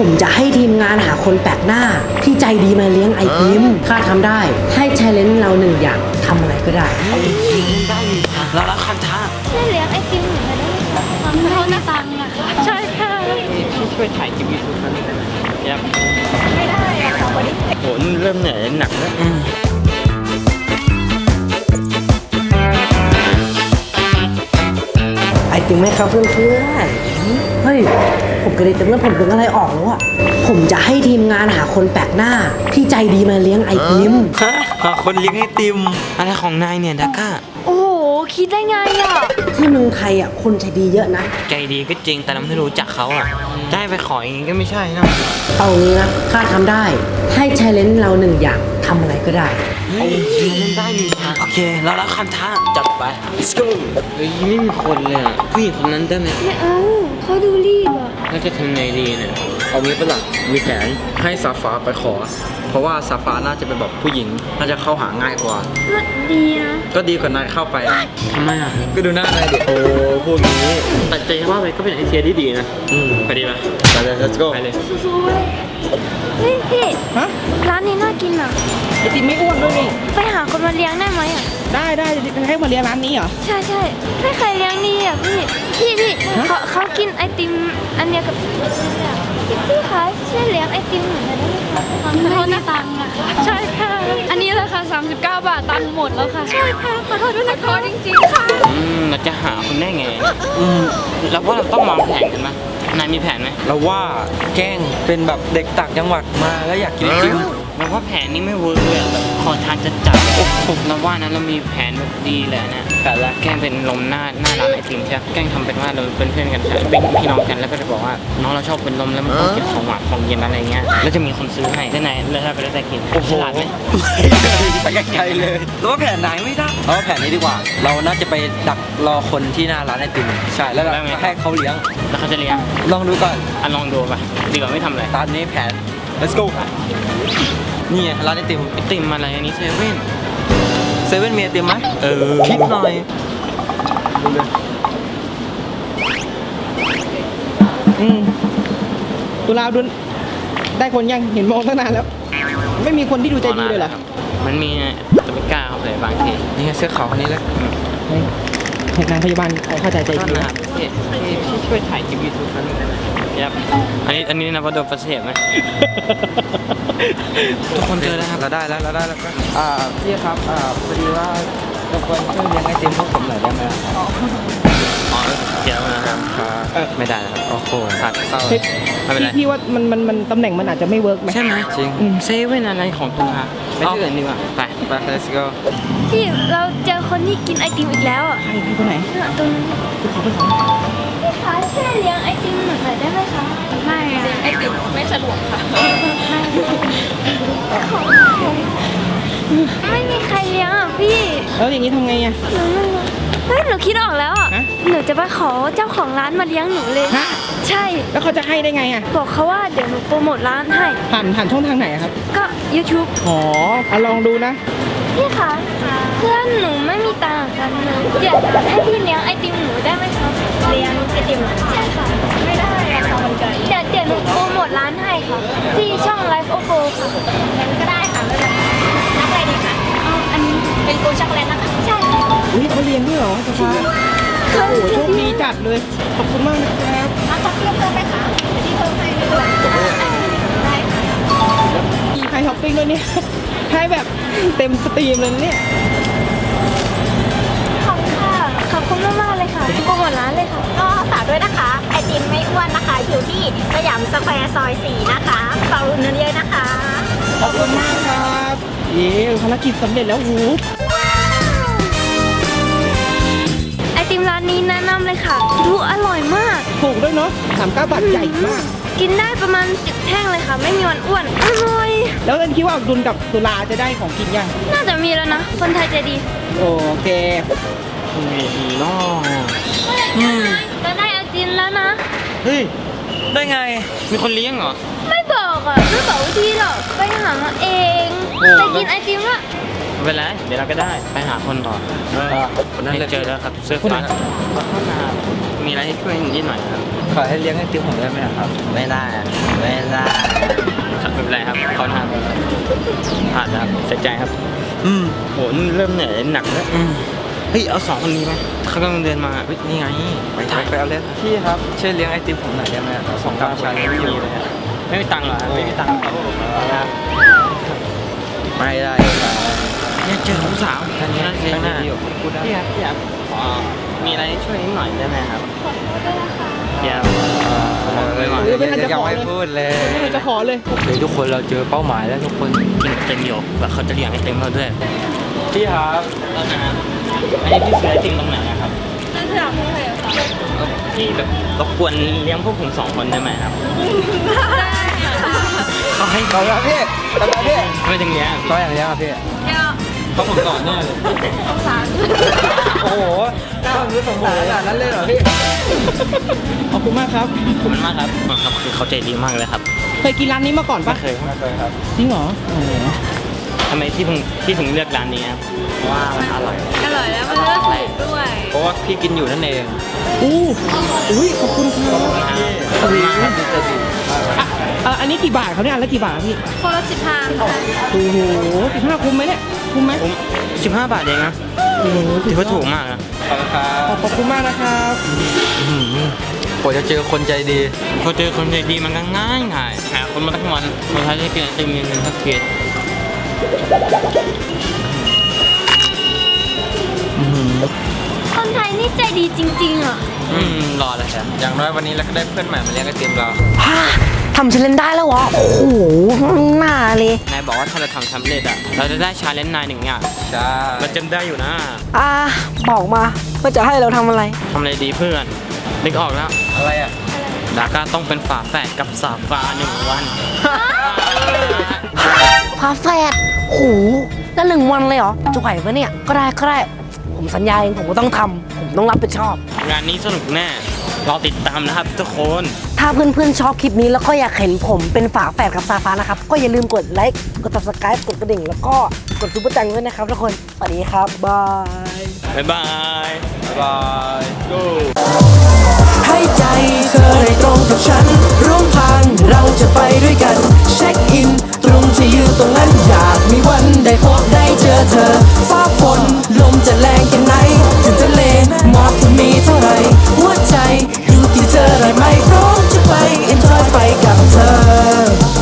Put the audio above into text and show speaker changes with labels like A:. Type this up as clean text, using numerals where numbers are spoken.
A: ผมจะให้ทีมงานหาคนแปลกหน้าที่ใจดีมาเลี้ยงไอติมถ้าทำได้ให้แชร์เลนเราหนึ่งอย่างทำอะไรก็ได้
B: ได้เรารับคำท้า
C: ช่วยเลี้ยงไอติมหนูได้ไหมคะเขาหน้าตังค์อะค่ะใช่ค่ะ
B: พี่ช่วยถ่ายคลิปยูทูบนั้นได้ไหมครับ
C: ไม่ได้อะค่ะวันนี้
B: โหเริ่มเหนื่อยหนักแล้ว
A: ไอติมไหมครับเพื่อนๆเฮ้ยผมกระเด็นเต็มแล้วผมเป็นอะไรออกแล้วอะผมจะให้ทีมงานหาคนแปลกหน้าที่ใจดีมาเลี้ยงไอติม
B: ฮะคนเลี้ยงไอติมอะไรของนายเนี่ยดักก้า
C: โอ้โหคิดได้ไงอะ
A: ที่เมืองไทยอะคนใจดีเยอะนะ
B: ใจดีก็จริงแต่เราไม่รู้จักเขาอะได้ไปขออย่างงี้ก็ไม่ใช่นะ
A: เอางี้นะถ้าทำได้ให้แชร์เลนเราหนึ่งอย่างทำอะไรก็ได้
B: เล่นได้ดีนะโอเคเรารับคำท้าจัดไป let's go เฮ้ยไม่มีคนเลยอะผู้หญิงคนนั้นได้ไหม
C: ไม่เอาเขาดูรีบอะ
B: เราจะทำไงดีเนี่ย
D: เอางี้ปะล่ะมีแผนให้ซาฟ้าไปขอเพราะว่าซาฟ้าน่าจะเป็นแบบผู้หญิงน่าจะเข้าหาง่ายกว่า
C: ก็ดีนะ
D: ก็ดีกว่านายเข้าไป
B: ทำไมอ่ะ
D: ก็ดูหน้านายดิโอ้พวกนี้
B: แต่ใจว่าไปก็เป็นไอเดียที่ดีนะไปดีไหม
D: ไปเลย let's go
B: ไปเลย
C: สู้ๆเลยเฮ้ยพี่
E: ฮะ
C: ร้านนี้น่ากินอ่ะ
E: ไอติมไม่อ้วนด้วยนี่
C: ไปหาคนมาเลี้ยงได้ไหมอ่ะ
E: ได้ให้มาเลี้ยงร้านนี้เหรอ
C: ใช่ไม่เคยเลี้ยงนี่อ่ะพี่เขากินไอติมอันเดียวกับพี่คะช่วยเลี้ยงไอติมหนูได้ไหมคะเขาหน้าตังค์อะค่ะใช่ค่ะอันนี้ราคา39 บาทตังค์หมดแล้วค่ะใช่ค่ะขอโทษด้วยนะคะจริงๆค่ะ
B: เราจะหาคนได้ไงเราว่าเราต้องวางแผนกันไหมนายมีแผนไหม
D: เราว่าแกล้งเป็นแบบเด็กต่างจังหวัดมาแล้วอยากกินไอติม
B: เราว่าแผนนี้ไม่เวิร์กเลยแบบขอทางจะจับเราว่านั้นเรามีแผนแบบดีเลยนะแต่ละแกล้งเป็นลมหน้าร้านไอติมใช่ไหมแกล้งทำเป็นว่าเราเป็นเพื่อนกันเป็นพี่น้องกันแล้วก็จะบอกว่าน้องเราชอบเป็นลมแล้วมันต้องกินของหวานของเย็นอะไรเงี้ยแล้วจะมีคนซื้อให้ได้ไหนแล้วถ้าไปได้แต่กินฉลาดไหม
D: ไปไกลเลยแล้วว่าแผนไหนไม่ได้เราว่าแผนนี้ดีกว่าเราน่าจะไปดักรอคนที่หน้าร้านไอติมใช่แล้วเราให้เขาเลี้ยง
B: แล้วเขาจะเลี้ยง
D: ลองดูก่อน
B: ลองดูป่ะดีกว่าไม่ทำอะไร
D: ตอนนี้แผน let's go นี่ไงร้านไอติ
B: มอะไรอันนี้เซเว่น
D: มีไอติมไหมคิดหน่อยดูเลย
E: ตุลาดุนได้คนยังเห็นมองตั้งนานแล้วไม่มีคนที่ดูใจดีเลยเหรอ
B: มันมีแต่ไม่กล้าเข้าไปบางที
D: นี่เสื้อขาวคนนี้แล้ว
E: นางพยาบาลเข้าใจใจดี
B: นะพี่ช่วยถ่ายคลิปยูทูบนั้นได้ไหมครับอันนี้นะว่าโดนประเสริฐไหมทุกคนเจอแล้วครับ
D: เราได้แล้วพี่ครับพอดีว่าเราควรช่วยเลี้ยงไอติมพวกผมหน่อยได้ไหม
B: เดี๋ยวนะครับไม่ได้ครับโอ้โหผัดเศร้าไม่เป็นไร
E: พี่ว่ามันตำแหน่งมันอาจจะไม่เวิร์กไหม
B: ใช่ไหมจริงเซเว่นอะไรของตุลาไปที่อื่นดีกว่าไป
D: let's go
C: พี่เราเจอคนที่กินไอติมอีกแล้วอ่ะ
E: ใครคนไหน
C: ตรงนี้พี่คะช่วยเลี้ยงไอติมหน่อยได้ไหมคะไม่ไอติมไม่สะดวกค่ะไม่มีใครเลี้ยงอ่ะพี่
E: แล้วอย่างนี้ทำไงอ่ะ
C: เฮ้ยหนูคิดออกแล้วอ่ะหนูจะไปขอเจ้าของร้านมาเลี้ยงหนูเลยใช่
E: แล้วเขาจะให้ได้ไงอ่ะ
C: บอกเขาว่าเดี๋ยวหนูโปรโมทร้านให้
E: ผ่านช่องทางไหนครับ
C: ก็ YouTube
E: อ๋อลองดูนะ
C: พี่คะเพื่อนหนูไม่มีตังค์กันเลยอยากให้พี่เลี้ยงไอติมหนูได้ไหมคะเลี้ยงไอติมใช่ค่ะไม่ได้ราคามันเกินเดี๋ยวหนูโปรโมทร้านให้ค่ะที่ช่อง Life of Go ค่ะงั้นก็ได้ค่ะไม่เป็นไรรับอะไรดีคะอันนี้เป็นโกช็อกโกแลตนะคะใช่
E: อุ้ยเขาเลี้ยงด้วยเหรอสภาโอ้โหโชคดีจัดเลยขอบคุณมากนะครับ
C: ขอเพิ่มไหมคะที่เพิ่มให้ไม่เป็นไรได้ค่ะ
E: มีใครช้อปปิ้งด้วยเนี่ยให้แบบเต็มสตรีมเลยเนี่ย
C: ขอบคุณค่ะขอบคุณมากเลยค่ะโปรโมทร้านเลยค่ะ
F: ก็ฝากด้วยนะคะไอติมไม่อ้วนนะคะอยู่ที่สยามสแควร์ซอย 4นะคะฝากอุดหนุนเยอะนะคะ
E: ขอบคุณมากครับภารกิจสำเร็จแล้วหู
C: ไอติมร้านนี้แนะนำเลยค่ะดูอร่อยมาก
E: ถูกด้วยเนาะ39 บาทใหญ่มาก
C: กินได้ประมาณ10 แท่งเลยค่ะไม่มีวันอ้วนอร่อย
E: แล้วเอิญคิดว่าดุลกับตุลาจะได้ของกินยัง
C: น่าจะมีแล้วนะคนไทยใจดี
E: โอเค
B: มีน้อง
C: จะได้ไอติมแล้วนะ
D: เฮ้ยได้ไง
B: มีคนเลี้ยงเหรอ
C: ไม่บอกอ่ะไม่บอกวิธีหรอกไปหาเองไปกินไอติมละ
B: ไม่เป็นไรเดี๋ยวเราก็ได้ไปหาคนต่อคนนั้นเจอแล้วครับเสื้อฟ้าเข้ามามีอะไรให้ช่วยนิดหน่อยครับ
D: ขอให้เลี้ยงไอติมผมได้ไหมครับ
B: ไม่ได้ผ่านแล้วครับเสียใจครับ โหนี่เริ่มเหนื่อยหนักแล้วเฮ้ยเอา2 คนนี้ไหมเขากำลังเดินมา
D: เฮ้ยนี่ไงไปเอาเลยพี่ครับช่วยเลี้ยงไอติมผมหน่อยได้ไหม2 กับชาเลนจ์อยู่
B: ไม่มีตังค์เหรอครับไม่มีตังค์ครับ
D: ไม่ได้
B: เนี่ยเจอของสาว
D: ท่านนี้
B: นั่นสิ
D: ข้างหน้า
B: พูดได้พี่ครับขอมีอะไรช่วยนิดหน่อยได้ไหมครับเดี๋ยวไม่ไหว
D: ยังไม่พูดเลย
E: ไม่ได้จะขอเลย
D: เฮ้ยทุกคนเราเจอเป้าหมายแล้วทุกคน
B: กินเต็มอยู่แบบเขาจะเลี้ยงให้เต็มเราด้วย
D: พี่ครับ
B: แล้วนะอันนี้พี่ซื้อไอติมตรงไหนนะครับ
C: นั่นคือพี่ใครคะ
B: พี่แบบรบกวนเลี้ยงพวกผม2 คนได้ไหมครับ
C: ได้ค่ะ
B: เขาให้
D: ต่อแล้วพี่ต่อแล้วพี่
B: ไม่ถึงเนี้ย
D: ต่ออย่างเดียวพี่
C: เดี๋ยว
B: เขาผมก่อนแน่เลย
C: สงสาร
D: โอ้โหน่ารู้สงสารขนาดนั้นเลยเหรอพี่
E: ขอบคุณมากครับ
B: ขอบคุณมากครับครับคือเขาใจดีมากเลยครับ
E: เคยกินร้านนี้มาก่อน
B: ไม่
E: ปะ
B: เคย
D: ไม่เคยครับ
E: จริงเหรอโอ้โห
B: ทำไมพี่ถึงเลือกร้านนี้ครับเพราะว่ามันอร่อย
C: อร่อยแล้วมันเลือกถูกด้วย
D: เพราะว่าพี่กินอยู่นั่นเอง
E: อุ้ยขอบคุณครับ
B: ขอบคุณมากครับ
E: อันนี้กี่บาทเขาเนี่ยอันละกี่บาทพี่
C: คนละ15ค่ะ
E: โอ้โห15คุ้มไหมเนี่ยคุ้มไหม
B: ผม15 บาทเองนะ
E: โอ้โห
B: ถือว่าถูกมากนะ
D: ขอบคุณครับ
E: ขอบคุณมากนะครับ
D: กว่าจะเจอคนใจดี
B: พอเจอคนใจดีมันก็ง่ายหาคนมาทั้งวันสุดท้ายได้กินไอติม1สักเกียร
C: คนไทยนี่ใจดีจริงๆอ่ะ
B: รอเลยครับ
D: อย่างน้อยวันนี้เราก็ได้เพื่อนใหม่มาเลี้ยงไอติมเรา
A: ทำเชลเลนได้แล้วเหรอ โอ้โหหน้าเลย
B: นายบอกว่าถ้าเราทำสำเร็จอ่ะเราจะได้ชาเลนจ์นาย1 อย่าง
D: ใช่
B: เราจำได้อยู่นะ
A: บอกมาว่าจะให้เราทำอะไร
B: ทำอะไรดีเพื่อนนึกออกแล้ว
D: อะไรอ่ะ
B: ดาก้าต้องเป็นฝาแฝดกับสาฟา1 วัน
A: พาแฟดโหแล้ว1 วันเลยเหรอ จะไหวปะเนี่ย ก็ได้ ผมสัญญาเองผมก็ต้องทำผมต้องรับผิดชอบ
B: งานนี้สนุกแน่รอติดตามนะครับทุกคน
A: ถ้าเพื่อนๆชอบคลิปนี้แล้วก็อยากเห็นผมเป็นฝาแฝดกับซาฟ้านะครับ ก็อย่าลืมกดไลค์ กด subscribe กดกระดิ่ง แล้วก็กดซุปเปอร์จังด้วยนะครับทุกคน สวัสดีครับ บาย
B: บ๊ายบาย
D: บาย
G: ให้ใจเธอได้ตรงกับฉัน ร่วมทางเราจะไปด้วยกัน เช็คอิน ตรงที่ยืนตรงนั้นอยากมีวัน